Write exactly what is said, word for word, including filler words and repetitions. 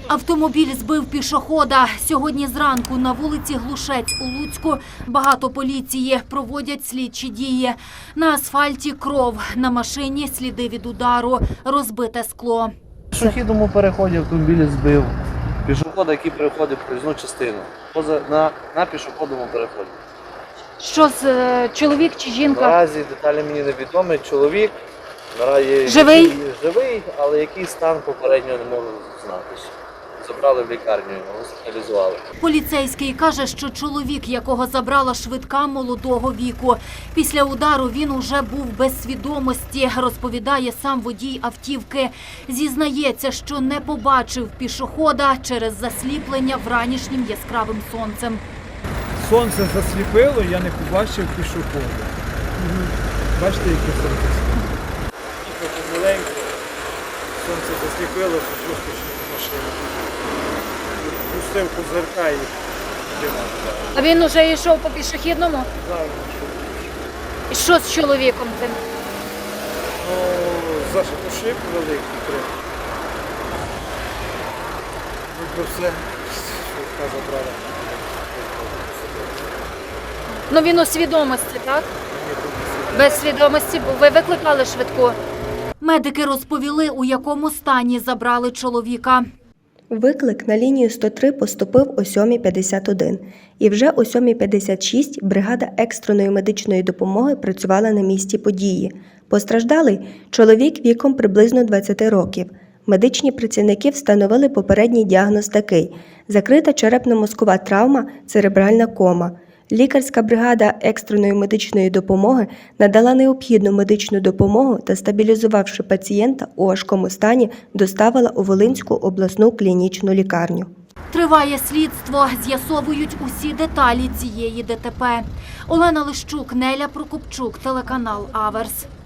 Автомобіль збив пішохода. Сьогодні зранку на вулиці Глушець у Луцьку багато поліції, проводять слідчі дії. На асфальті кров, на машині сліди від удару, розбите скло. В пішохідному переході автомобіль збив пішохода, який переходив проїзну частину, поза, на, на пішохідному переході. Що з е, чоловік чи жінка? Наразі деталі мені невідомі. Чоловік наразі Живий? який, живий, але який стан попередньо не можу знатися. Забрали в лікарню, госпіталізували. Поліцейський каже, що чоловік, якого забрала швидка, молодого віку. Після удару він уже був без свідомості, розповідає сам водій автівки. Зізнається, що не побачив пішохода через засліплення вранішнім яскравим сонцем. Сонце засліпило, я не побачив пішохода. Бачите, яке сонце світить? Їхав помаленьку, сонце засліпило, просто машину. Пустив козирка і диван. А він уже йшов по пішохідному? Зараз. І що з чоловіком тим? Ну, зашипушив великий крик. Ну, то все, швидка забрала. Ну він у свідомості, так? Без свідомості, бо ви викликали швидку. Медики розповіли, у якому стані забрали чоловіка. Виклик на лінію сто три поступив о сьомій п'ятдесят один. І вже о сьомій п'ятдесят шість бригада екстреної медичної допомоги працювала на місці події. Постраждалий – чоловік віком приблизно двадцяти років. Медичні працівники встановили попередній діагноз такий – закрита черепно-мозкова травма, церебральна кома. Лікарська бригада екстреної медичної допомоги надала необхідну медичну допомогу та, стабілізувавши пацієнта у важкому стані, доставила у Волинську обласну клінічну лікарню. Триває слідство, з'ясовують усі деталі цієї ДТП. Олена Лищук, Неля Прокопчук, телеканал Аверс.